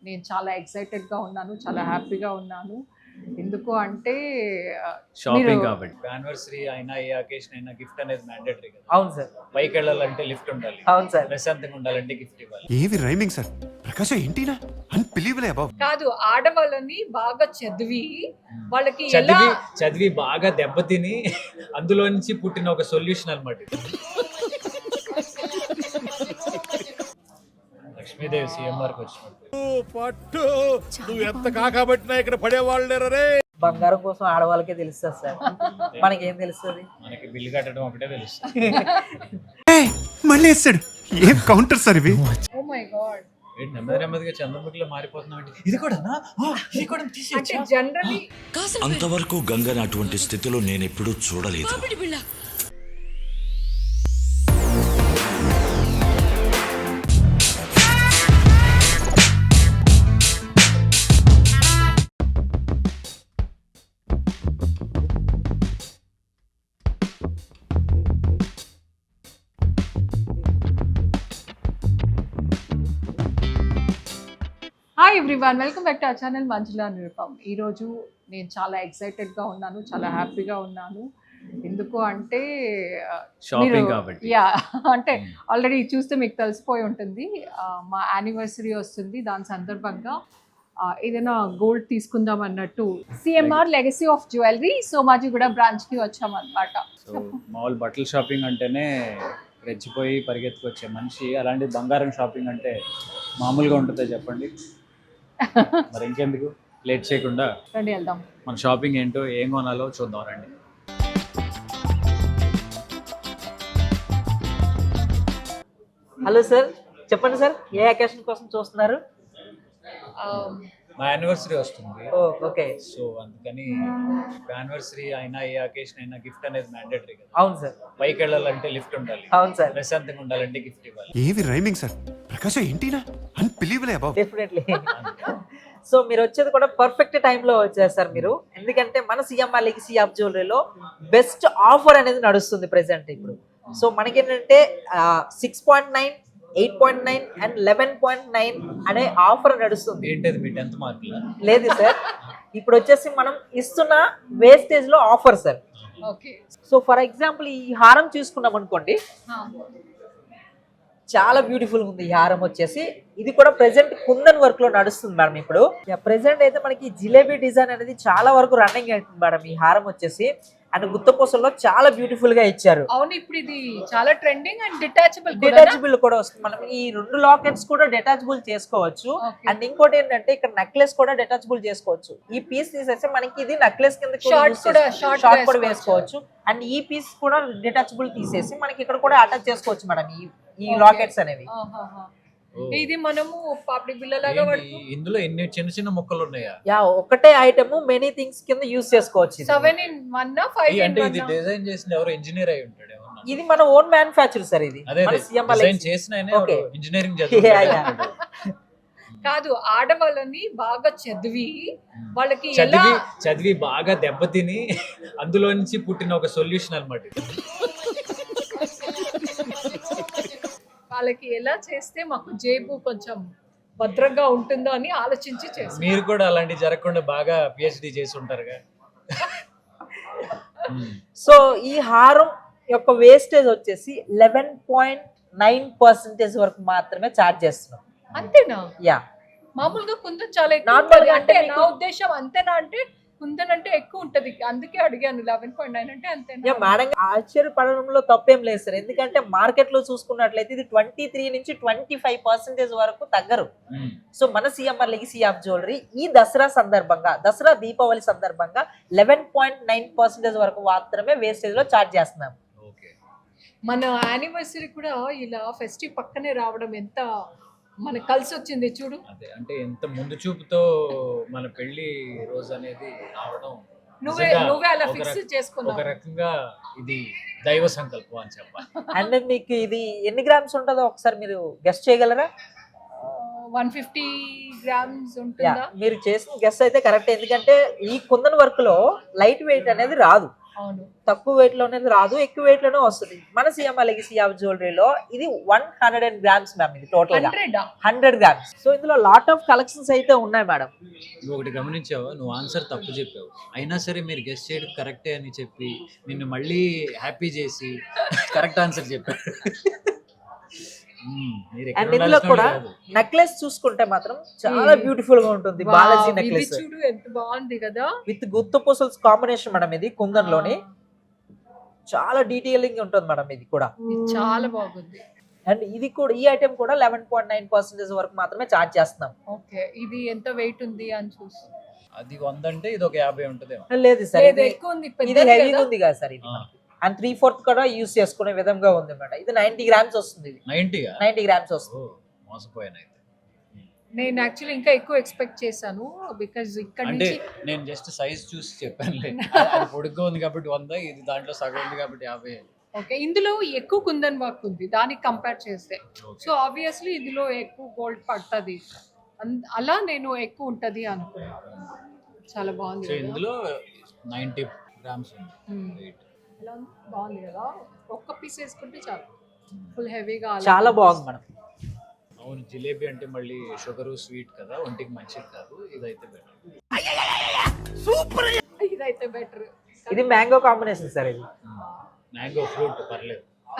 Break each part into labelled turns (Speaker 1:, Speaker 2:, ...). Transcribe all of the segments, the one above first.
Speaker 1: నేను చాలా ఎక్సైటెడ్గా ఉన్నాను, చాలా హ్యాపీగా ఉన్నాను. ఎందుకు అంటే
Speaker 2: షాపింగ్ కాబట్టి యానివర్సరీ అయినా ఏ అకేషన్ అయినా గిఫ్ట్ అనేది మ్యాండేటరీ కదా.
Speaker 3: అవును సార్.
Speaker 2: పైకి వెళ్ళాలంటే లిఫ్ట్ ఉండాలి,
Speaker 3: అవును సార్.
Speaker 2: ప్రశాంతంగా ఉండాలంటే గిఫ్ట్ ఇవ్వాలి.
Speaker 4: ఏవి రైమింగ్ సార్ ప్రకాశ ఏంటినా అన్బిలీవబుల్ అబౌవ్.
Speaker 1: కాదు, ఆడవాళ్ళని బాగా చదివి వాళ్ళకి
Speaker 2: చదివి బాగా దెబ్బతిని అందులో నుంచి పుట్టిన ఒక సొల్యూషన్ అన్నమాట. లక్ష్మీదేవి సీఎంఆర్ కి వచ్చినట్టు
Speaker 5: నువ్వు ఎంత కాకబట్టినా ఇక్కడ పడేవాళ్ళు రే.
Speaker 3: బంగారం కోసం ఆడవాళ్ళకే తెలుస్తుంది సార్, మనకేం తెలుస్తుంది?
Speaker 2: మనకి బిల్లు కట్టడం ఒకటే తెలుసు.
Speaker 4: మళ్ళీ వేస్తాడు ఏం కౌంటర్ సార్ ఇవి.
Speaker 1: Oh my god.
Speaker 2: నెమ్మది నెమ్మదిగా చంద్రముఖిలో మారిపోతున్నాం. ఇది కూడా
Speaker 1: అంటే జనరలీ
Speaker 6: అంతవరకు గంగని అటువంటి స్థితిలో నేను ఎప్పుడూ చూడలేదు.
Speaker 1: Hi everyone, welcome back to our channel Manjula Nirupam. ఈరోజు నేను చాలా ఎక్సైటెడ్గా ఉన్నాను, చాలా హ్యాపీగా ఉన్నాను. ఎందుకు అంటే
Speaker 2: షాపింగ్ కాబట్టి.
Speaker 1: యా, అంటే ఆల్రెడీ చూస్తే మీకు తెలిసిపోయి ఉంటుంది. మా యానివర్సరీ వస్తుంది, దాని సందర్భంగా ఏదైనా గోల్డ్ తీసుకుందాం అన్నట్టు CMR legacy of jewellery Somajiguda బ్రాంచ్కి వచ్చామన్నమాట.
Speaker 2: సో మామూలు బట్టల షాపింగ్ అంటేనే రెచ్చిపోయి పరిగెత్తుకొచ్చే మనిషి, అలాంటి బంగారం షాపింగ్ అంటే మామూలుగా ఉంటుందో చెప్పండి. మరి ఇంకెందుకు లేట్ చేయకుండా
Speaker 1: రండి వెళ్దాం.
Speaker 2: మన షాపింగ్ ఏంటో ఏం కొనాలో చూద్దాం రండి.
Speaker 3: హలో సార్, చెప్పండి సార్, ఏ అకేషన్ కోసం చూస్తున్నారు?
Speaker 2: మా యానివర్సరీ వస్తుంది,
Speaker 3: ఓకే.
Speaker 2: సో అందుకని యానివర్సరీ అయినా ఏ అకేషన్ అయినా గిఫ్ట్ అనేది మ్యాండేటరీ కదా.
Speaker 3: అవును సార్.
Speaker 2: పైకి వెళ్ళాలంటే లిఫ్ట్ ఉండాలి,
Speaker 3: అవును సార్.
Speaker 2: ప్రశాంతంగా ఉండాలంటే గిఫ్ట్ ఇవ్వాలి.
Speaker 4: ఏవి రైమింగ్ సార్ ప్రకాశ ఏంటినా అన్బిలీవబుల్ అబౌవ్.
Speaker 3: డెఫినెట్లీ. సో మీరు వచ్చేది కూడా పర్ఫెక్ట్ టైంలో వచ్చారు సార్ మీరు, ఎందుకంటే మన సిఎంఆర్ లెగసీ ఆఫ్ జ్యువెలరీలో బెస్ట్ ఆఫర్ అనేది నడుస్తుంది ప్రెసెంట్ ఇప్పుడు. సో మనకేంటంటే 6.9, 8.9 అండ్ 11.9 అనే ఆఫర్ నడుస్తుంది.
Speaker 2: ఏంటది మీ 10th మార్కులా?
Speaker 3: లేదు సార్, ఇప్పుడు వచ్చేసి మనం ఇస్తున్న వేస్టేజ్ లో offer sir.
Speaker 1: Okay.
Speaker 3: So for example ఈ హారం చూసుకున్నాం అనుకోండి, చాలా బ్యూటిఫుల్ ఉంది ఈ హారం వచ్చేసి. ఇది కూడా ప్రెసెంట్ కుందన్ వర్క్ లో నడుస్తుంది మేడం. ఇప్పుడు ప్రెసెంట్ అయితే మనకి జిలేబీ డిజైన్ అనేది చాలా వరకు రన్నింగ్ అవుతుంది మేడం ఈ హారం వచ్చేసి. అండ్ గుత్తపూసల్లో చాలా బ్యూటిఫుల్ గా ఇచ్చారు.
Speaker 1: అవును, ఇప్పుడు ఇది చాలా ట్రెండింగ్ అండ్
Speaker 3: డిటాచబుల్ కూడా వస్తుంది. మనం ఈ 2 లాకెట్స్ కూడా డిటాచబుల్ చేసుకోవచ్చు. అండ్ ఇంకోటి ఏంటంటే ఇక్కడ నెక్లెస్ కూడా డిటాచబుల్ చేసుకోవచ్చు. ఈ పీస్ తీసేస్తే మనకి ఇది నెక్లెస్ కింద షార్ట్ కూడా వేసుకోవచ్చు. అండ్ ఈ పీస్ కూడా డిటాచబుల్ తీసేసి మనకి ఇక్కడ కూడా అటాచ్ చేసుకోవచ్చు మేడం ఈ లాకెట్స్ అనేవి.
Speaker 1: ఇది మనము పాపిడి బిళ్ళలాగా
Speaker 2: ఇందులో ఎన్ని చిన్న చిన్న ముక్కలు ఉన్నాయా?
Speaker 3: యా, ఒకటే ఐటమ్ మెనీ థింగ్స్ కింద యూస్ చేసుకోవచ్చు.
Speaker 1: 7 in 1 5
Speaker 2: అంటే ఇది డిజైన్ చేసిన ఎవరో ఇంజనీర్ అయి ఉంటాడు.
Speaker 3: ఇది మన ఓన్ మ్యానుఫ్యాక్చర్ సార్. ఇది
Speaker 2: డిజైన్ చేసిన ఇంజనీరింగ్
Speaker 1: కాదు, ఆడవాళ్ళని బాగా చదివి వాళ్ళకి
Speaker 2: చదివి బాగా దెబ్బతిని అందులో నుంచి పుట్టిన ఒక సొల్యూషన్ అన్నమాట.
Speaker 1: వాళ్ళకి ఎలా చేస్తే మాకు జేబు కొంచెం భద్రంగా ఉంటుందో అని ఆలోచించి చేస్తాం.
Speaker 2: మీరు కూడా అలాంటి జరగకుండా బాగా పిహెచ్డి చేసి ఉంటారుగా.
Speaker 3: సో ఈ హారం యొక్క వేస్టేజ్ వచ్చేసి 11.9% వరకు మాత్రమే ఛార్జ్ చేస్తున్నాం.
Speaker 1: అంతేనా?
Speaker 3: యా,
Speaker 1: మామూలుగా కుందన్ చాలా ఎక్కువ. అంటే నా ఉద్దేశం అంతేనా అంటే కుందన్ అంటే ఎక్కువ ఉంటది, అందుకే అడిగాను. 11.9 అంటే అంతేనా?
Speaker 3: మేడం ఆశ్చర్యపడడంలో తప్పేం లేదు సార్, ఎందుకంటే మార్కెట్ లో చూసుకున్నట్లయితే ఇది 23 నుంచి 25% వరకు తగ్గరు. సో మన సిఎంఆర్ లెగసీ ఆఫ్ జ్యువెలరీ ఈ దసరా సందర్భంగా, దసరా దీపావళి సందర్భంగా 11.9% వరకు మాత్రమే వేస్టేజ్ లో ఛార్జ్ చేస్తున్నాం.
Speaker 1: మన యానివర్సరీ కూడా ఇలా ఫెస్టివ్ పక్కనే రావడం ఎంత మనకు కలిసి వచ్చింది చూడు.
Speaker 2: అదే అంటే ఎంత ముందు చూపుతో మన పెళ్లి రోజు అనేది రావడం,
Speaker 1: నువ్వే అలా ఫిక్స్ చేసుకున్నావు.
Speaker 2: ఒక రకంగా ఇది దైవ సంకల్పం అని చెప్పాలి.
Speaker 3: అండ్ మీకు ఇది ఎన్ని గ్రామ్స్ ఉంటుందో ఒకసారి మీరు గెస్ చేయగలరా?
Speaker 1: 150 grams ఉంటుందా?
Speaker 3: మీరు చేసిన గెస్ అయితే కరెక్ట్, ఎందుకంటే ఈ కుందన్ వర్క్ లో లైట్ వెయిట్ అనేది రాదు.
Speaker 1: అవును.
Speaker 3: తక్కువ వెయిట్ లోనే రాదు, ఎక్కువ వెయిట్ లోనే వస్తుంది. మన సిఎంఆర్ లెగసీ ఆఫ్ జ్యువెలరీలో ఇది 100 గ్రామ్స్ మ్యామ్, ఇది టోటల్ గా 100 గ్రామ్స్. సో ఇందులో లాట్ ఆఫ్ కలెక్షన్స్ అయితే ఉన్నాయి మేడం.
Speaker 2: నువ్వు ఒకటి గమనించావా, నువ్వు ఆన్సర్ తప్పు చెప్పావు, అయినా సరే మీరు గెస్ట్ చేయడం కరెక్టే అని చెప్పి నిన్ను మళ్ళీ హ్యాపీ చేసి కరెక్ట్ ఆన్సర్ చెప్పారు. మీరు ఎక్కడ
Speaker 3: అండ్ ఇందులో
Speaker 2: ఉండాల్సిన
Speaker 3: కూడా
Speaker 2: వాళ్ళు కాదు.
Speaker 3: నెక్లెస్ చూసుకుంటే మాత్రం చాలా బ్యూటిఫుల్ గా ఉంటుంది. బాలాజీ
Speaker 1: ఇది
Speaker 3: నెక్లెస్
Speaker 1: చూడు ఎంత బాగుంది కదా.
Speaker 3: విత్ గుత్తు పూసల్స్ కాంబినేషన్ మేడం, ఇది కుందన్లోని చాలా డీటెయిలింగ్ ఉంటుంది మేడం ఇది కూడా.
Speaker 1: ఇది చాలా బాగుంది.
Speaker 3: అండ్ ఇది కూడా, ఈ ఐటమ్ కూడా 11.9% వరకు మాత్రమే చార్జ్ చేస్తున్నాం.
Speaker 1: ఓకే, ఇది ఎంత వెయిట్ ఉంది అని చూసి.
Speaker 2: అది 100 అంటే ఇది ఒక 50 ఉంటదేమో.
Speaker 3: లేదు సార్,
Speaker 1: లేదు,
Speaker 3: ఇది
Speaker 1: ఎక్కువ ఉంది,
Speaker 3: ఇది
Speaker 1: పెద్దది
Speaker 3: హెవీ
Speaker 1: కదా.
Speaker 3: ఉంది కదా సార్ ఇది. అండ్ 3/4 కూడా యూస్ చేసుకునే విధంగా ఉంది మేడం. ఇది 90 గ్రామ్స్ వస్తుంది. ఇది
Speaker 2: 90
Speaker 3: గ్రామ్స్ వస్తుంది.
Speaker 2: మోసపోయాను అయితే.
Speaker 1: నేను యాక్చువల్లీ ఇంకా ఎక్కువ ఎక్స్పెక్ట్ చేశాను, బికాజ్ ఇక్కడ
Speaker 2: అంటే
Speaker 1: నుంచి
Speaker 2: నేను జస్ట్ సైజ్ చూసి చెప్పానులే. అది పొడుగ్గా ఉంది కాబట్టి 100, ఇది దాంట్లో సగం ఉంది కాబట్టి 50.
Speaker 1: ఓకే, ఇందులో ఎక్కువ కుందన్ వర్క్ ఉంది దానికి కంపేర్ చేస్తే. సో ఆబ్వియస్లీ ఇందులో ఎక్కువ గోల్డ్ పడుతుంది, అలా నేను ఎక్కువ ఉంటది అనుకున్నాను. చాలా బాగుంది
Speaker 2: సో
Speaker 1: కదా.
Speaker 2: ఇందులో 90 గ్రామ్స్ ఉంది
Speaker 1: Hmm.
Speaker 2: వెయిట్.
Speaker 1: ఎలా ఉంది? బాగుంది కదా. ఒక్క పీస్ వేసుకుంటే చాలు, ఫుల్ హెవీగా.
Speaker 3: చాలా బాగుంది మేడం.
Speaker 2: అవును, జిలేబీ అంటే మళ్ళీ షుగర్ స్వీట్ కదా, ఒంటికి మంచిది కాదు. ఇదైతే బెటర్.
Speaker 1: ఇదైతే బెటర్.
Speaker 3: ఇది మ్యాంగో కాంబినేషన్ సార్ ఇది.
Speaker 2: మ్యాంగో ఫ్రూట్ పర్లేదు.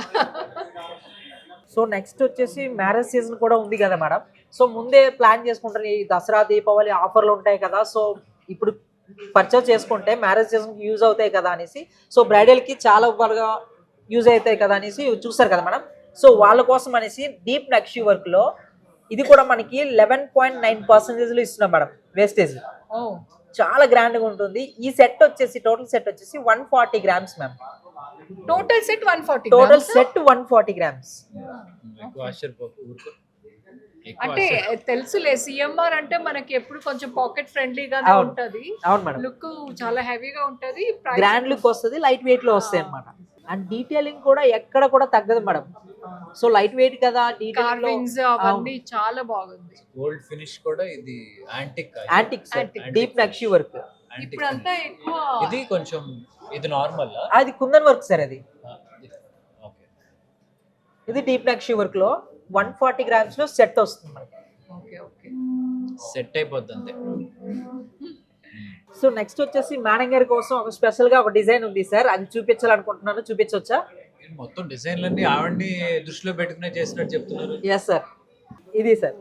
Speaker 3: సో నెక్స్ట్ వచ్చేసి మ్యారేజ్ సీజన్ కూడా ఉంది కదా మేడం. సో ముందే ప్లాన్ చేసుకుంటారు, ఈ దసరా దీపావళి ఆఫర్లు ఉంటాయి కదా, సో ఇప్పుడు పర్చేస్ చేసుకుంటే మ్యారేజ్ సీజన్కి యూజ్ అవుతాయి కదా అనేసి, సో బ్రైడల్కి చాలా బాగా యూజ్ అవుతాయి కదా అనేసి చూస్తారు కదా మేడం. సో వాళ్ళ కోసం అనేసి డీప్ నక్షి వర్క్లో ఇది కూడా మనకి 11.9% ఇస్తున్నాం మేడం వేస్టేజ్.
Speaker 1: ఓ,
Speaker 3: చాలా గ్రాండ్గా ఉంటుంది. ఈ సెట్ వచ్చేసి టోటల్ సెట్ వచ్చేసి 140 grams ma'am.
Speaker 1: Total set 140.
Speaker 3: Total set 140 grams.
Speaker 2: ఎక్కువ ఆశ్చర్యపోకు, ఊరుకో. ఎక్కువ
Speaker 1: అంటే తెలుసులే, సిఎంఆర్ అంటే మనకి ఎప్పుడు కొంచెం పాకెట్ ఫ్రెండ్లీగానే
Speaker 3: అవును.
Speaker 1: ఉంటది.
Speaker 3: అవును మేడం,
Speaker 1: లుక్ చాలా హెవీగా ఉంటది, ప్రైస్
Speaker 3: గ్రాండ్ లుక్ వస్తుంది, లైట్ వెయిట్ లో వస్తాయి అన్నమాట. అండ్ డీటెయిలింగ్ కూడా ఎక్కడ కూడా తగ్గదు మేడం. సో లైట్ వెయిట్ కదా,
Speaker 1: కార్వింగ్స్ అవన్నీ చాలా బాగుంది.
Speaker 2: గోల్డ్ ఫినిష్ కూడా ఇది antique.
Speaker 3: Antique deep nakshi work.
Speaker 1: ఇప్పుడంతా ఎక్కువ
Speaker 2: ఇది కొంచెం, ఇది నార్మల్.
Speaker 3: అది కుందన్ వర్క్ సార్ అది.
Speaker 2: ఓకే,
Speaker 3: ఇది డీప్ నక్షి వర్క్ లో 140 గ్రామ్స్ లో సెట్ వస్తుంది మనకి.
Speaker 1: Okay okay.
Speaker 2: సెట్ అయిపోద్ది అంతే.
Speaker 3: సో నెక్స్ట్ వచ్చేసి మేడం గారి కోసం ఒక స్పెషల్ గా ఒక డిజైన్ ఉంది సార్, అది చూపించాలనుకుంటున్నాను. చూపించవచ్చా?
Speaker 2: మొత్తం డిజైన్లన్నీ ఆవిడ్ని దృష్టిలో పెట్టుకునే చేసినట్టు చెప్తున్నారు.
Speaker 3: ఎస్ సార్, ఇది సార్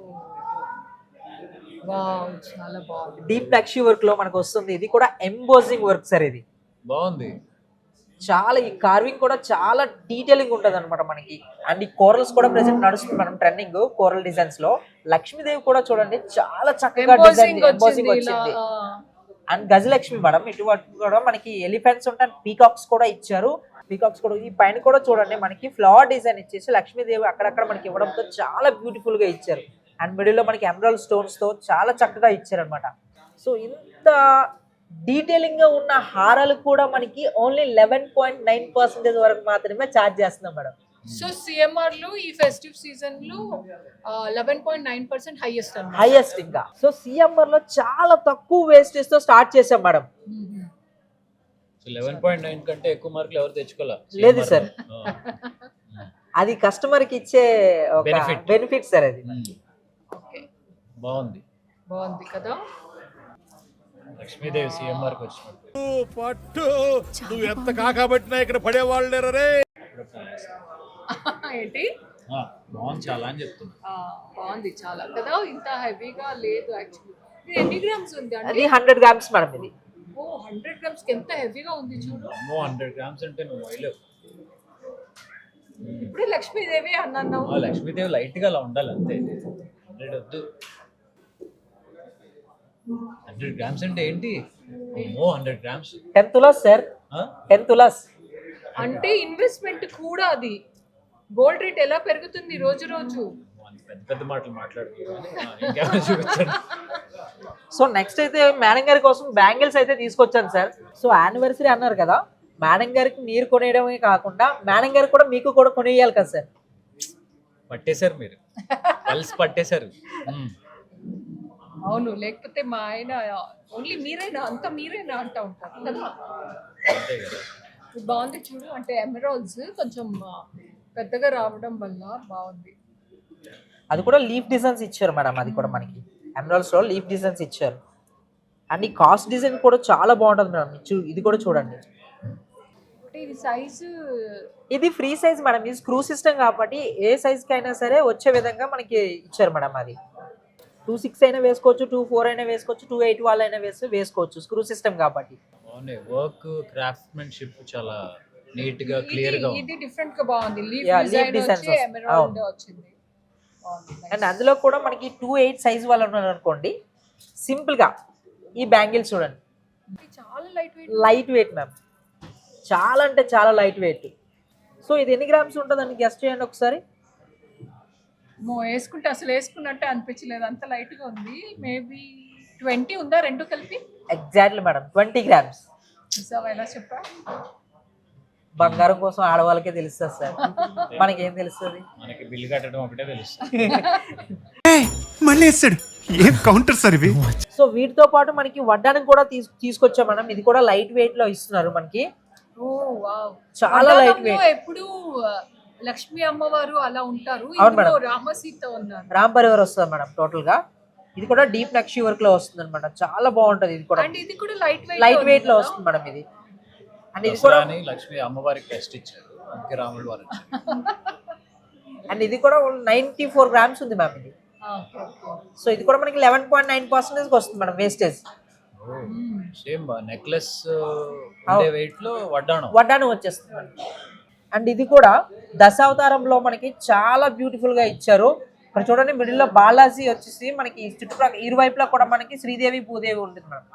Speaker 1: వావ్, చాలా బాగుంది.
Speaker 3: డీప్ నక్షి వర్క్ లో మనకు వస్తుంది. ఇది కూడా ఎంబోజింగ్ వర్క్ సార్ ఇది.
Speaker 2: బాగుంది.
Speaker 3: చాలా ఈ కార్వింగ్ కూడా చాలా డీటెయిలింగ్ ఉంటుంది అనమాట మనకి. అండ్ ఈ కోరల్స్ కూడా ప్రెసెంట్ నడుస్తుంది మనం ట్రెండింగ్ కోరల్ డిజైన్స్ లో. లక్ష్మీదేవి కూడా చూడండి చాలా చక్కగా డిజైన్ ఎంబోజింగ్ వచ్చింది. అండ్ గజలక్ష్మి మేడం, ఇటువంటి కూడా మనకి ఎలిఫెంట్స్ ఉంటాయి, పీకాక్స్ కూడా ఇచ్చారు. పీకాక్స్ కూడా ఈ పైన కూడా చూడండి మనకి ఫ్లవర్ డిజైన్ ఇచ్చేసి లక్ష్మీదేవి అక్కడక్కడ మనకి ఇవ్వడంతో చాలా బ్యూటిఫుల్ గా ఇచ్చారు. అండ్ మిడిల్ లో మనకి ఎమరాల్డ్ స్టోన్స్ తో చాలా చక్కగా ఇచ్చారు అనమాట. సో ఇంత డీటెయిలింగ్ గా ఉన్న హారాలు కూడా మనకి ఓన్లీ 11.9% వరకు మాత్రమే ఛార్జ్ చేస్తున్నాం మేడం.
Speaker 1: సో సిఎంఆర్ లో ఈ ఫెస్టివ్ సీజన్ లో 11.9% హైయెస్ట్ అన్నమాట.
Speaker 3: హైయెస్ట్ ఇంకా. సో సిఎంఆర్ లో చాలా తక్కువ వేస్టేజ్ తో స్టార్ట్ చేసాం మేడం.
Speaker 2: సో 11.9 కంటే ఎక్కువ మార్కులు ఎవరు తెచ్చుకోలే.
Speaker 3: లేదు సార్, అది కస్టమర్ కి ఇచ్చే ఒక బెనిఫిట్ సార్ అది.
Speaker 1: ఓకే,
Speaker 2: బాగుంది.
Speaker 1: బాగుంది కదా.
Speaker 2: లక్ష్మీదేవి సిఎంఆర్కి వచ్చినట్టు.
Speaker 5: పట్టు నువ్వు ఎంత కాకబట్టినా ఇక్కడ పడేవాళ్ళు లేరే.
Speaker 1: ఏంటి?
Speaker 2: బాగుంది చాలా అని చెప్తున్నా.
Speaker 1: బాగుంది చాలా కదా, ఇంత హెవీగా లేదు యాక్చువల్లీ. ఇది ఎన్ని గ్రామ్స్ ఉంది
Speaker 3: అది
Speaker 1: అంటే?
Speaker 3: 100 గ్రామ్స్ మేడం ఇది.
Speaker 1: ఓ, 100 గ్రామ్స్ కి ఎంత హెవీగా ఉంది చూడు.
Speaker 2: అమ్మో, 100 గ్రామ్స్ అంటే నువ్వు వైలేవు.
Speaker 1: ఇప్పుడే లక్ష్మీదేవి అన్నాను.
Speaker 2: లక్ష్మీదేవి లైట్ గా అలా ఉండాలి అంతే. 100 వద్దు. 100 గ్రామ్స్ అంటే ఏంటి? అమ్మో, 100 గ్రామ్స్
Speaker 3: 10 తులాస్ సార్, 10 తులాస్.
Speaker 1: అంటే ఇన్వెస్ట్మెంట్ కూడా అది. గోల్డ్ రేట్ ఎలా పెరుగుతుంది రోజు రోజు.
Speaker 2: పెద్ద పెద్ద మాటలు మాట్లాడుతున్నాను. ఇంకేమైనా చూపించండి.
Speaker 3: సో నెక్స్ట్ అయితే మేడం గారి కోసం బ్యాంగిల్స్ అయితే తీసుకొచ్చాను సార్. సో యానివర్సరీ అన్నారు కదా, మేడం గారికి మీరు కొనేయడమే కాకుండా మేడం గారికి కూడా మీకు కూడా కొనియాలి కదా సార్.
Speaker 2: పట్టేశారు మీరు, పల్స్ పట్టేశారు.
Speaker 1: అవును, లేకపోతే మా ఆయన ఓన్లీ మీరేనా అంతా మీరేనా అంటా ఉంటారు కదా.
Speaker 2: అంతే కదా.
Speaker 1: ఇది బాగుంది చూడు, అంటే ఎమరాల్డ్స్ కొంచెం పెద్దగా రావడం వల్ల బాగుంది.
Speaker 3: అది కూడా లీఫ్ డిజైన్స్ ఇచ్చారు మేడం, అది కూడా మనకి ఎమరాల్డ్స్ లో లీఫ్ డిజైన్స్ ఇచ్చారు. అండ్ ఈ కాస్ట్ డిజైన్ కూడా చాలా బాగుంటుంది మేడం. ఇది కూడా చూడండి,
Speaker 1: అంటే ఇది సైజు
Speaker 3: ఇది ఫ్రీ సైజ్ మేడం. ఇది స్క్రూ సిస్టమ్ కాబట్టి ఏ సైజ్కి అయినా సరే వచ్చే విధంగా మనకి ఇచ్చారు మేడం. అది 2.6 అయినా వేసుకోవచ్చు, 2.4 అయినా వేసుకోవచ్చు, 2.8 వాళ్ళు అయినా వేసుకోవచ్చు, స్క్రూ సిస్టమ్ కాబట్టి.
Speaker 2: బాగున్నాయి, వర్క్ క్రాఫ్ట్మెన్షిప్ చాలా నీట్ గా క్లియర్ గా ఉంది.
Speaker 1: ఇది డిఫరెంట్ గా బాగుంది. Leaf
Speaker 3: Yeah, leaf
Speaker 1: design
Speaker 3: designs
Speaker 1: వచ్చి
Speaker 3: వస్తుంది.
Speaker 1: ఎమరాల్డ్
Speaker 3: అవును.
Speaker 1: వచ్చింది. బాగుంది.
Speaker 3: అండ్ అందులో కూడా మనకి 2.8 సైజ్ వాళ్ళు ఉన్నారు అనుకోండి, సింపుల్ గా ఈ బ్యాంగిల్స్ చూడండి,
Speaker 1: ఇది చాలా light weight.
Speaker 3: Light weight ma'am, చాలా అంటే చాలా లైట్ వెయిట్. సో ఇది ఎన్ని గ్రామ్స్ ఉంటుందని గెస్ట్ చేయండి ఒకసారి.
Speaker 1: వేసుకుంటే అసలు వేసుకున్నట్టే అనిపించలేదు, అంత లైట్ గా ఉంది. మేబీ 20 ఉందా రెండు కలిపి?
Speaker 3: Exactly madam, 20 grams.
Speaker 1: చూసావా ఎలా చెప్పా?
Speaker 3: బంగారం కోసం ఆడవాళ్ళకే తెలుస్తుంది సార్, మనకేం తెలుస్తుంది.
Speaker 2: మనకి బిల్లు కట్టడం ఒకటే తెలుసు.
Speaker 4: మళ్ళీ వేస్తాడు. ఏం కౌంటర్ సార్ ఇవి?
Speaker 3: సో వీటితో పాటు మనకి వడ్డానికి కూడా తీసుకొచ్చాం మనం. ఇది కూడా లైట్ వెయిట్ లో ఇస్తున్నారు మనకి.
Speaker 1: ఓ వావ్,
Speaker 3: చాలా లైట్ వెయిట్.
Speaker 1: ఎప్పుడు లక్ష్మీ అమ్మవారు అలా ఉంటారు,
Speaker 3: అవును
Speaker 1: ఇందులో
Speaker 3: మేడం.
Speaker 1: రామసీత ఉన్నారు.
Speaker 3: రామ్ పరివార్ వస్తుంది మేడం టోటల్ గా. ఇది కూడా డీప్ నక్షి వర్క్ లో వస్తుంది అనమాట, చాలా బాగుంటది. ఇది కూడా
Speaker 1: అండ్ ఇది కూడా లైట్
Speaker 3: వెయిట్ లో వస్తుంది మేడం ఇది. అండ్ ఇది కూడా
Speaker 2: దసరాని లక్ష్మి అమ్మవారికి టెస్ట్ ఇచ్చారు, అందుకే రాముడు వారు వచ్చారు.
Speaker 3: అండ్ ఇది కూడా 94 గ్రామ్స్ ఉంది మ్యామ్ ఇది. సో ఇది కూడా మనకి 11.9% వస్తుంది మేడం వేస్టేజ్.
Speaker 2: సేమ్ నెక్లెస్ ఉండే వెయిట్ లో
Speaker 3: వడ్డాను వచ్చేస్తుంది మేడం. అండ్ ఇది కూడా దశావతారంలో మనకి చాలా బ్యూటిఫుల్ గా ఇచ్చారు. ఇక్కడ చూడండి, మిడిల్ లో బాలాజీ వచ్చేసి మనకి చుట్టుప్రక్కల ఇరువైపులా కూడా మనకి శ్రీదేవి భూదేవి ఉంటుంది మేడం.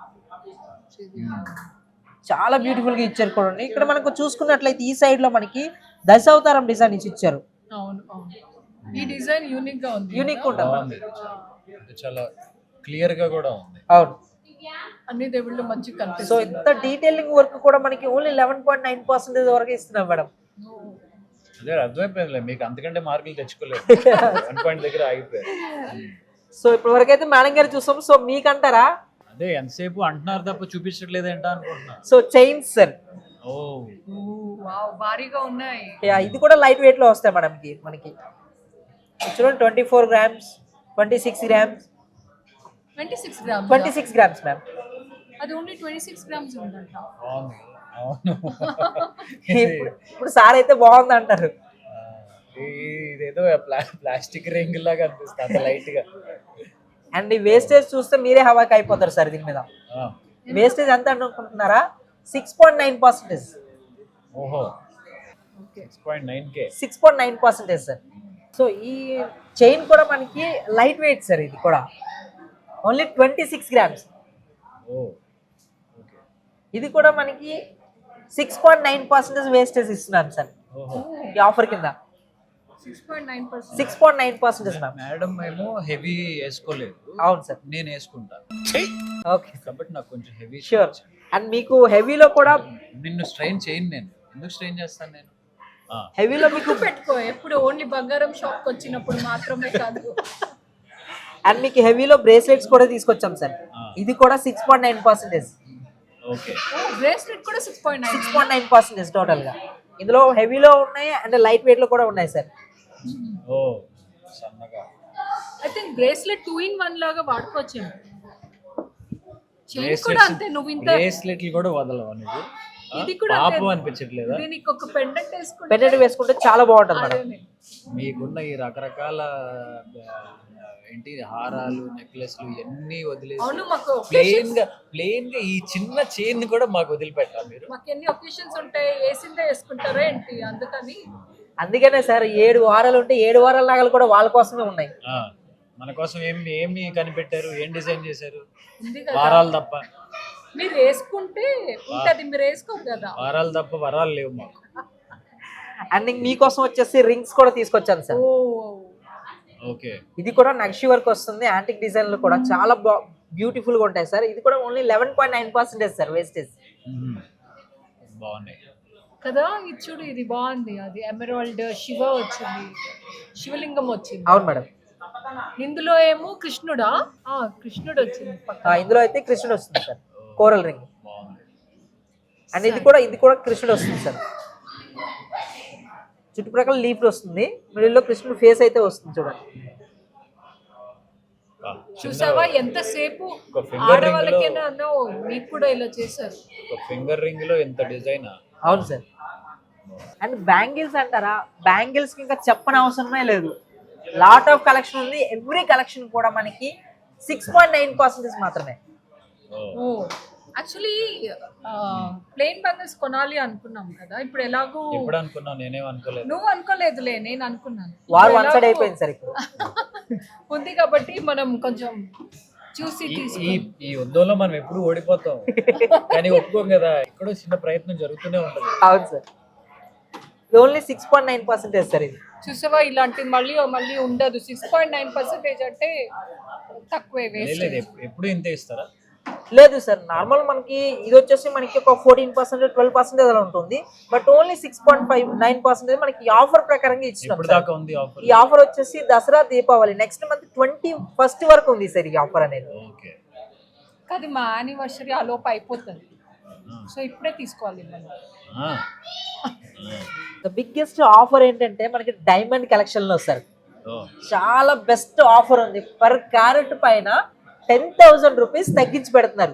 Speaker 3: చాలా బ్యూటిఫుల్ గా ఇచ్చారు చూడండి. ఇక్కడ మనకు చూసుకున్నట్లయితే ఈ సైడ్ లో మనకి దశావతారం డిజైన్ ఇచ్చారు.
Speaker 1: అవును అవును, ఈ డిజైన్ యూనిక్ గా ఉంది.
Speaker 3: యూనిక్ ఉంటుంది.
Speaker 2: బాగుంది, చాలా క్లియర్ గా కూడా ఉంది.
Speaker 3: అవును.
Speaker 1: అన్ని దేవుళ్ళు మంచి
Speaker 3: సో
Speaker 1: కనిపిస్తుంది.
Speaker 3: ఇంత డీటెయిలింగ్ వర్క్ కూడా మనకి ఓన్లీ 11.9% వరకు ఇస్తున్నాం మేడం.
Speaker 2: అదే అర్థమైపోయింది, మీకు అంతకంటే మార్కులు తెచ్చుకోలేదు. 1 పాయింట్ దగ్గర ఆగిపోయారు.
Speaker 3: సో ఇప్పటి వరకు అయితే మేడం గారు చూసాం. సో మీకంటారా?
Speaker 2: అదే ఎంతసేపు అంటున్నారు తప్ప చూపించట్లేదు ఏంటా అనుకుంటున్నా.
Speaker 3: So chains sir,
Speaker 2: oh
Speaker 1: wow, భారీగా ఉన్నాయి.
Speaker 3: ఇది కూడా లైట్ వెయిట్ లో వస్తాయి మేడం. మనకి చూడండి, 24 grams, 26 grams,
Speaker 1: 26 grams.
Speaker 3: 26 grams ma'am.
Speaker 1: అది ఓన్లీ 26 గ్రామ్స్ ఉందంట.
Speaker 2: బాగుంది. అవును.
Speaker 3: ఇప్పుడు సార్ అయితే బాగుంది అంటారు.
Speaker 2: ఇదేదో ప్లాస్టిక్ రింగ్ లాగా అనిపిస్తుంది, అంత లైట్ గా.
Speaker 3: అండ్ ఈ వేస్టేజ్ చూస్తే మీరే హవాకి అయిపోతారు సార్ దీని మీద. వేస్టేజ్ ఎంత అనుకుంటున్నారా? 6.9%.
Speaker 2: ఓహో, 6.9K.
Speaker 3: 6.9% సార్. సో ఈ చైన్ కూడా మనకి లైట్ వెయిట్ సార్. ఇది కూడా ఓన్లీ 26 గ్రామ్స్.
Speaker 2: ఓ,
Speaker 3: ఇది కూడా మనకి 6.9% వేస్టేజ్ ఇస్తున్నాం సార్
Speaker 2: ఓహో.
Speaker 3: ఈ ఆఫర్ కింద.
Speaker 1: 6.9%.
Speaker 3: 6.9% మ్యామ్.
Speaker 2: మేడం ఏమో హెవీ వేసుకోలేదు,
Speaker 3: అవును సార్.
Speaker 2: నేను వేసుకుంటా
Speaker 3: ఓకే
Speaker 2: కాబట్టి నాకు కొంచెం హెవీ.
Speaker 3: షూర్. అండ్ మీకు హెవీలో కూడా,
Speaker 2: నిన్ను స్ట్రెయిన్ చేయను నేను. ఎందుకు స్ట్రెయిన్ చేస్తాను నేను?
Speaker 3: హెవీలో మీకు
Speaker 1: పెట్టుకో, ఎప్పుడు ఓన్లీ బంగారం షాప్ వచ్చినప్పుడు మాత్రమే కాదు.
Speaker 3: అండ్ మీకు హెవీలో బ్రేస్లెట్స్ కూడా తీసుకొచ్చాం సార్. ఇది కూడా 6.9%.
Speaker 2: ఓకే,
Speaker 1: బ్రేస్లెట్ కూడా 6.9.
Speaker 3: 6.9% టోటల్ గా. ఇందులో హెవీలో ఉన్నాయి అండ్ లైట్ వెయిట్ లో కూడా ఉన్నాయి సార్.
Speaker 2: ఓ సన్నగా.
Speaker 1: ఐ థింక్ బ్రేస్లెట్ 2-in-1 లాగా వాడుకోవచ్చు. చైన్ కూడా అంతే, నువ్వు ఇంత
Speaker 2: బ్రేస్లెట్లు కూడా వదలవా నువ్వు?
Speaker 1: ఇది కూడా
Speaker 2: పాపం అనిపించట్లేదా?
Speaker 1: దీనికి ఒక పెండెంట్ వేసుకుంటే
Speaker 3: పెన్నెట్ వేసుకుంటే చాలా బాగుంటుంది మేడం.
Speaker 2: మీకున్న ఈ రకరకాల ఏంటి హారాలు, నెక్లెస్లు ఇవన్నీ వదిలేసి
Speaker 1: అవును, మాకు
Speaker 2: ప్లెయిన్ గా ఈ చిన్న చైన్ కూడా మాకు వదిలిపెట్టాలి మీరు.
Speaker 1: మాకు ఎన్ని ఒకేషన్స్ ఉంటాయి, వేసిందే వేసుకుంటారా ఏంటి? అందుకని
Speaker 3: అందుకనే సార్ 7 వారాలు ఉంటే 7 వారాల నగలు కూడా వాళ్ళ కోసమే ఉన్నాయి.
Speaker 2: మన కోసం ఏమి కనిపెట్టారు, ఏం డిజైన్ చేశారు?
Speaker 1: ఉంది కదా,
Speaker 2: వారాలు తప్ప.
Speaker 1: మీరు వేసుకుంటే ఉంటది, మీరు వేసుకోరు కదా.
Speaker 2: వారాలు తప్ప వరాలు లేవు మాకు.
Speaker 3: అండ్ మీకోసం వచ్చేసి రింగ్స్ కూడా తీసుకొచ్చాను సార్.
Speaker 2: ఓకే,
Speaker 3: ఇది కూడా నక్షి వర్క్ వస్తుంది. యాంటిక్ డిజైన్లు కూడా చాలా బ్యూటిఫుల్ గా ఉంటాయి సార్. ఇది కూడా ఓన్లీ 11.9% సార్ వేస్టేజ్.
Speaker 2: బాగున్నాయి
Speaker 1: కదా. ఇది చూడు, ఇది బాగుంది. అది ఎమరాల్డ్ శివ వచ్చింది, శివలింగం వచ్చింది.
Speaker 3: అవును మేడం.
Speaker 1: ఇందులో ఏమో కృష్ణుడా? కృష్ణుడు వచ్చింది పక్కన.
Speaker 3: ఇందులో అయితే కృష్ణుడు వస్తుంది సార్, కోరల్ రింగ్.
Speaker 2: బాగుంది.
Speaker 3: అండ్ ఇది కూడా కృష్ణుడు వస్తుంది సార్. చుట్టుప్రక్కల లీఫ్ వస్తుంది, మిడిల్లో కృష్ణుడు ఫేస్ అయితే వస్తుంది చూడండి.
Speaker 1: చూసావా ఎంతసేపు
Speaker 2: ఒక finger ring లో-
Speaker 1: ఆడవాళ్ళకేనా మీకు కూడా ఇలా చేశారు.
Speaker 2: ఒక ఫింగర్ రింగ్ లో ఎంత డిజైన్.
Speaker 3: అవును సార్. అండ్ బ్యాంగిల్స్ అంటారా, బ్యాంగిల్స్ కి ఇంకా చెప్పని అవసరమే లేదు. లాట్ ఆఫ్ కలెక్షన్ ఉంది. ఎవ్రీ కలెక్షన్ కూడా మనకి 6.9% మాత్రమే.
Speaker 1: ఓ యాక్చువల్లీ ప్లెయిన్ బ్యాంగిల్స్ కొనాలి అనుకున్నాం కదా, ఇప్పుడు ఎలాగో
Speaker 2: ఎప్పుడు అనుకున్నావు? నేనేం అనుకోలేదు.
Speaker 1: నువ్వు అనుకోలేదులే, నేను అనుకున్నాను.
Speaker 3: వారు
Speaker 1: ఇప్పుడు
Speaker 3: వన్ సైడ్
Speaker 1: ఎలాగో
Speaker 3: అయిపోయింది సార్ ఇప్పుడు.
Speaker 1: ఉంది కాబట్టి మనం కొంచెం చూసి
Speaker 2: ఈ
Speaker 1: తీసుకు
Speaker 2: ఈ యుద్ధంలో మనం ఎప్పుడు ఓడిపోతాం కానీ ఒప్పుకోం కదా, ఎక్కడో చిన్న ప్రయత్నం జరుగుతూనే ఉంటది.
Speaker 3: అవును సార్. ఓన్లీ 6.9% సార్ ఇది.
Speaker 1: చూసావా ఇలాంటి మళ్ళీ మళ్ళీ ఉండదు. 6.9% అంటే తక్కువే, వేస్ట్.
Speaker 2: లేదు ఎప్పుడు ఇంతే ఇస్తారా?
Speaker 3: లేదు సార్, నార్మల్ మనకి ఇది వచ్చేసి మనకి ఒక 14% 12% అలా ఉంటుంది. బట్ ఓన్లీ 6.9% మనకి ఆఫర్ ప్రకారంగా ఇచ్చినాం
Speaker 2: ఎప్పుడు
Speaker 3: సార్.
Speaker 2: దాకా ఉంది ఆఫర్?
Speaker 3: ఈ ఆఫర్ వచ్చేసి Dasara Deepavali next month 21st వరకు ఉంది సార్ ఈ ఆఫర్ అనేది.
Speaker 2: ఓకే.
Speaker 1: కాదు మా యానివర్సరీ ఆ లోపు అయిపోతుంది, సో ఇప్పుడే తీసుకోవాలి మనం.
Speaker 2: ఆ.
Speaker 3: ద బిగ్గెస్ట్ ఆఫర్ ఏంటంటే మనకి డైమండ్ కలెక్షన్ లో సార్
Speaker 2: ఓ.
Speaker 3: చాలా బెస్ట్ ఆఫర్ ఉంది. పర్ క్యారెట్ పైన 10,000 రూపీస్ తగ్గించి పెడుతున్నారు.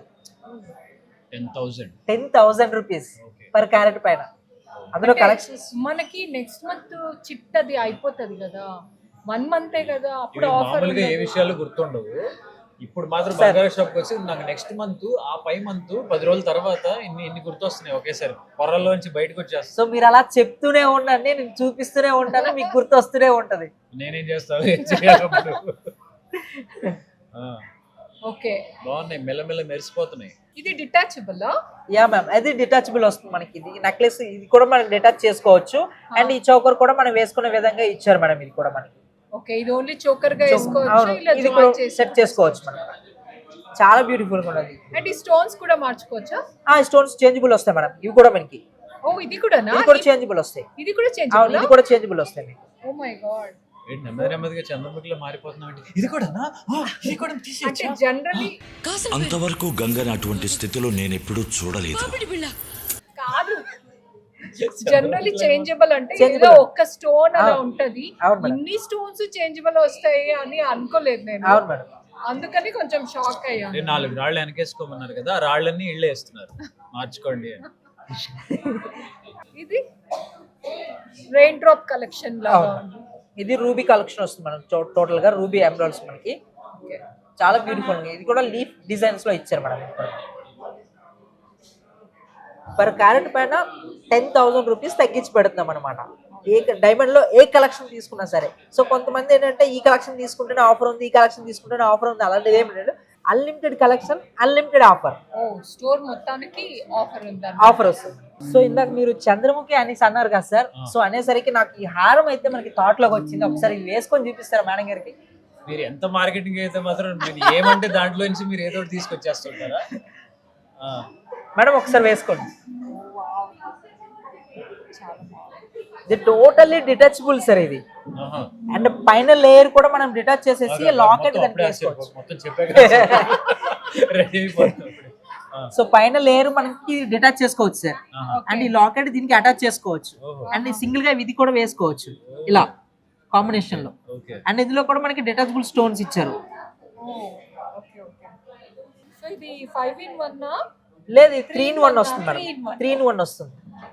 Speaker 3: 10,000 రూపీస్
Speaker 2: Okay.
Speaker 3: పర్ క్యారెట్ పైన. అందులో కలెక్షన్స్
Speaker 1: మనకి నెక్స్ట్ మంత్ చిట్ అది అయిపోతుంది కదా, 1 మంతే కదా, అప్పుడు
Speaker 2: ఇవి
Speaker 1: ఆఫర్
Speaker 2: మామూలుగా ఏ విషయాలు గుర్తుండవు. ఇప్పుడు మాత్రం బంగారు షాప్ కి వచ్చి నాకు నెక్స్ట్ మంత్ ఆ పై మంత్ 10 రోజుల తర్వాత ఇన్ని గుర్తొస్తున్నాయి ఒకేసారి, పొరల్లోంచి బయటకు వచ్చేస్తా.
Speaker 3: సో మీరు అలా చెప్తూనే ఉండండి, నేను చూపిస్తూనే ఉంటాను, మీకు గుర్తు వస్తూనే ఉంటది.
Speaker 2: నేనేం చేస్తాను, ఏం చేయాలి అప్పుడు? ఆ,
Speaker 1: ఓకే.
Speaker 2: బాగున్నాయి, మెల్లమెల్ల మెరిసిపోతున్నాయి.
Speaker 1: ఇది డిటాచబుల్.
Speaker 3: యా మ్యామ్, అది డిటాచబుల్ వస్తుంది మనకి. ఇది నెక్లెస్, ఇది కూడా మనం డిటాచ్ చేసుకోవచ్చు. అండ్ ఈ చౌకర్ కూడా మనం వేసుకునే విధంగా ఇచ్చారు మేడం. ఇది కూడా మనకి
Speaker 1: ఓకే, ఇది ఓన్లీ చోకర్ గా వేసుకోవచ్చు,
Speaker 3: అవును,
Speaker 1: ఇలా
Speaker 3: ఇది కూడా
Speaker 1: జాయిన్ చేసి
Speaker 3: సెట్ చేసుకోవచ్చు మనం. చాలా బ్యూటిఫుల్ గా ఉన్నది.
Speaker 1: అండ్ ఈ స్టోన్స్ కూడా మార్చుకోవచ్చా?
Speaker 3: స్టోన్స్ చేంజబుల్ వస్తాయి మేడం. ఇవి కూడా మనకి,
Speaker 1: ఓ ఇది కూడానా?
Speaker 3: ఇది కూడా చేంజబుల్ వస్తాయి.
Speaker 1: ఇది కూడా చేంజ్.
Speaker 3: అవును, ఇది కూడా చేంజబుల్ వస్తాయి మీకు.
Speaker 1: Oh my god.
Speaker 2: ఏంటి నెమ్మది నెమ్మదిగా చంద్రముఖిలో మారిపోతున్నాం ఏంటి? ఇది కూడానా? ఇది కూడా
Speaker 1: అంటే
Speaker 2: తీసేయచ్చా?
Speaker 1: జనరలీ
Speaker 6: అంతవరకు గంగని అటువంటి స్థితిలో నేనెప్పుడూ చూడలేదు.
Speaker 1: కాదు, జనరలీ చేంజబుల్ అంటే
Speaker 3: Changeable.
Speaker 1: ఏదో ఒక్క స్టోన్ అలా ఉంటది.
Speaker 3: అవును మేడం.
Speaker 1: ఇన్ని స్టోన్స్ చేంజబుల్ వస్తాయి అని అనుకోలేదు నేను,
Speaker 3: అవును మేడం.
Speaker 1: అందుకని కొంచెం షాక్ అయ్యాను.
Speaker 2: 4 రాళ్ళు వెనకేసుకోమన్నారు కదా, ఆ రాళ్ళన్నీ ఇళ్ళే వేస్తున్నారు, మార్చుకోండి అని.
Speaker 1: ఇది రెయిన్ డ్రాప్ కలెక్షన్ లాగా
Speaker 3: అవును. ఇది రూబీ కలెక్షన్ వస్తుంది మనం. టోటల్ గా రూబీ ఎమరాల్డ్స్ మనకి చాలా బ్యూటిఫుల్. ఇది కూడా లీఫ్ డిజైన్స్ లో ఇచ్చారు మేడం. పర్ క్యారెట్ పైన 10,000 రూపీస్ తగ్గించి పెడుతున్నాం అనమాట. ఏ డైమండ్ లో ఏ కలెక్షన్ తీసుకున్నా సరే. సో కొంతమంది ఏంటంటే ఈ కలెక్షన్ తీసుకుంటేనే ఆఫర్ ఉంది, ఈ కలెక్షన్ తీసుకుంటేనే ఆఫర్ ఉంది, అలాంటిది ఏమి లేదు. Unlimited collection, unlimited offer.
Speaker 1: Oh store మొత్తానికి ఆఫర్ ఉందా?
Speaker 3: ఆఫర్ వస్తుంది. సో ఇందాక మీరు చంద్రముఖి అనేసి అన్నారు కదా సార్. సో అనేసరికి నాకు ఈ హారం అయితే మనకి థాట్ లోకి వచ్చింది. ఒకసారి ఇది వేసుకొని చూపిస్తారా మేడం గారికి?
Speaker 2: మీరు ఎంత మార్కెటింగ్ అయితే మాత్రం మీరు ఏమంటే దాంట్లో నుంచి మీరు ఏదో ఒకటి తీసుకొచ్చేస్తుంటారా?
Speaker 3: మేడం ఒకసారి వేసుకోండి. ఇది టోటల్లీ డిటాచబుల్ సార్ ఇది.
Speaker 2: ఆహా.
Speaker 3: అండ్ పైన లేయర్ కూడా మనం డిటాచ్ చేసేసి లాకెట్
Speaker 2: మొత్తం
Speaker 3: దానికి
Speaker 2: అప్పుడే
Speaker 3: వేసుకోవచ్చు.
Speaker 2: మొత్తం చెప్పే కదా, రెడీ అయిపోతుంది.
Speaker 3: సో పైన లేయర్ మనకి డిటాచ్ చేసుకోవచ్చు సార్.
Speaker 2: ఆహా.
Speaker 3: అండ్ ఈ లాకెట్ దీనికి అటాచ్ చేసుకోవచ్చు.
Speaker 2: ఓహో.
Speaker 3: అండ్ సింగిల్ గా ఇది కూడా వేసుకోవచ్చు ఇలా కాంబినేషన్ లో.
Speaker 2: ఓకే.
Speaker 3: అండ్ ఇందులో కూడా మనకి డిటాచబుల్ స్టోన్స్ ఇచ్చారు.
Speaker 1: Okay okay. సో ఇది 5-in-1
Speaker 3: లేదు, 3-in-1 వస్తుంది మేడం.
Speaker 1: 3-in-1.
Speaker 3: 3-in-1 వస్తుంది.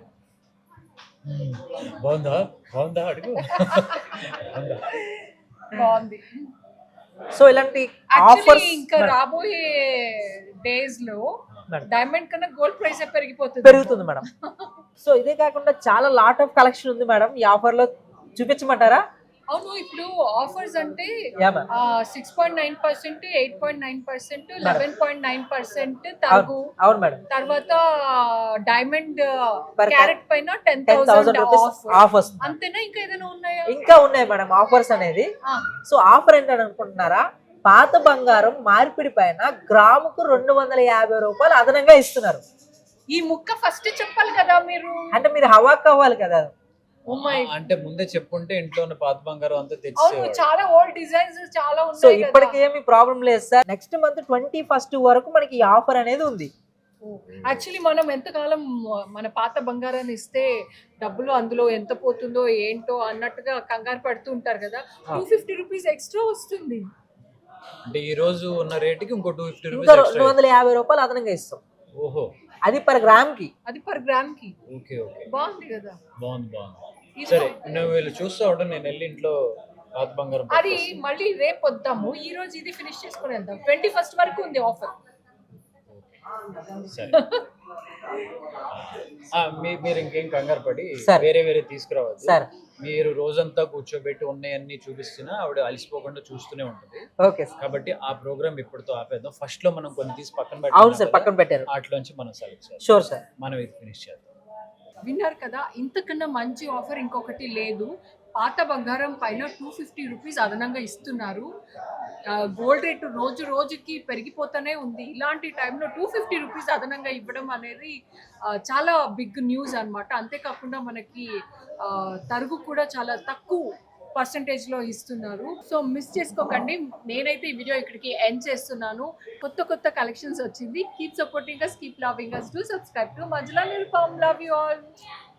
Speaker 2: బాగుందా? బాగుందా అడుగు. బాగుందా?
Speaker 1: బాగుంది.
Speaker 3: సో ఇలాంటి
Speaker 1: యాక్చువల్లీ
Speaker 3: ఆఫర్స్
Speaker 1: ఇంకా రాబోయే డేస్ లో
Speaker 3: మేడం.
Speaker 1: డైమండ్ కన్నా గోల్డ్ ప్రైస్ పెరిగిపోతుంది.
Speaker 3: పెరుగుతుంది మేడం. సో ఇదే కాకుండా చాలా లాట్ ఆఫ్ కలెక్షన్ ఉంది మేడం. ఈ ఆఫర్ లో చూపించమంటారా?
Speaker 1: అవును, ఇప్పుడు ఆఫర్స్ అంటే
Speaker 3: యా మ్యామ్.
Speaker 1: 6.9%, 8.9%, 11.9% తగ్గు.
Speaker 3: అవును మేడం.
Speaker 1: తర్వాత డైమండ్
Speaker 3: Per
Speaker 1: క్యారెట్ పైన
Speaker 3: 10,000
Speaker 1: 10,000
Speaker 3: రూపీస్
Speaker 1: ఆఫ్.
Speaker 3: ఆఫ్ వస్తుంది.
Speaker 1: అంతేనా? ఇంకా ఏదైనా ఉన్నాయా?
Speaker 3: ఇంకా ఉన్నాయి మేడం ఆఫర్స్ అనేది.
Speaker 1: ఆ,
Speaker 3: సో ఆఫర్ ఏంటని అనుకుంటున్నారా? పాత బంగారం మార్పిడి పైన గ్రాముకు 250 రూపాయలు అదనంగా ఇస్తున్నారు.
Speaker 1: ఈ ముక్క ఫస్ట్ చెప్పాలి కదా మీరు.
Speaker 3: అంటే మీరు హవాక్ అవ్వాలి కదా.
Speaker 1: ఓ మై,
Speaker 2: అంటే ముందే చెప్పుంటే ఇంట్లో ఉన్న పాత బంగారం అంతా
Speaker 1: అవును
Speaker 2: తెచ్చేవాడు.
Speaker 1: చాలా ఓల్డ్ డిజైన్స్ చాలా
Speaker 3: సో
Speaker 1: ఉన్నాయి
Speaker 3: ఇప్పటికి
Speaker 1: కదా.
Speaker 3: ఏమి ప్రాబ్లం లేదు సార్. నెక్స్ట్ మంత్ 21st వరకు మనకి ఈ ఆఫర్ అనేది ఉంది.
Speaker 1: యాక్చువల్లీ మనం ఎంతకాలం మన పాత బంగారాన్ని ఇస్తే డబ్బులు అందులో ఎంత పోతుందో ఏంటో అన్నట్టుగా కంగారు పడుతూ ఉంటారు కదా. 250 రూపీస్ ఎక్స్ట్రా వస్తుంది.
Speaker 2: అంటే ఈ రోజు ఉన్న రేటుకి ఇంకో 250
Speaker 3: ఇంకా
Speaker 2: రూపీస్ ఎక్స్ట్రా.
Speaker 3: 250 రూపాయలు అదనంగా ఇస్తాం,
Speaker 2: ఓహో,
Speaker 3: అది పర్ గ్రామ్ కి.
Speaker 1: అది పర్ గ్రామ్ కి.
Speaker 2: ఓకే ఓకే,
Speaker 1: బాగుంది కదా.
Speaker 2: బాగుంది. సరే, నువ్వు వీళ్ళు చూస్తా ఉంటా, నేను వెళ్ళి ఇంట్లో పాత బంగారం
Speaker 1: అది
Speaker 2: పట్టుకొస్తా.
Speaker 1: మళ్ళీ రేపు వద్దాము, ఈ రోజు ఇది ఫినిష్ చేసుకుని వెళ్దాం. 21st వరకు ఉంది ఆఫర్.
Speaker 2: సరే. మీరు ఇంకేం కంగారు పడి
Speaker 3: సరే.
Speaker 2: వేరే తీసుకురావద్దు.
Speaker 3: సరే.
Speaker 2: మీరు రోజంతా కూర్చోబెట్టి ఉన్నాయన్నీ చూపిస్తున్నా ఆవిడ అలసిపోకుండా చూస్తూనే ఉంటుంది.
Speaker 3: Okay sir.
Speaker 2: కాబట్టి ఆ ప్రోగ్రామ్ ఇప్పటితో ఆపేద్దాం. ఫస్ట్ లో మనం కొన్ని తీసి పక్కన
Speaker 3: అవును సార్,
Speaker 2: పెట్టి
Speaker 3: పక్కన పెట్టారు.
Speaker 2: వాటిలోంచి మనం సెలెక్ట్ చేస్తాం.
Speaker 3: Sure sir.
Speaker 2: మనం ఇది ఫినిష్ చేద్దాం.
Speaker 1: విన్నారు కదా, ఇంతకన్నా మంచి ఆఫర్ ఇంకొకటి లేదు. పాత బంగారం పైన 250 రూపీస్ అదనంగా ఇస్తున్నారు. గోల్డ్ రేటు రోజు రోజుకి పెరిగిపోతూనే ఉంది. ఇలాంటి టైంలో 250 రూపీస్ అదనంగా ఇవ్వడం అనేది చాలా బిగ్ న్యూస్ అన్నమాట. అంతేకాకుండా మనకి తరుగు కూడా చాలా తక్కువ పర్సంటేజ్లో ఇస్తున్నారు. సో మిస్ చేసుకోకండి. నేనైతే ఈ వీడియో ఇక్కడికి ఎండ్ చేస్తున్నాను. కొత్త కలెక్షన్స్ వచ్చింది. Keep supporting us, keep loving us, do subscribe to Manjula Nirupam. Love you all.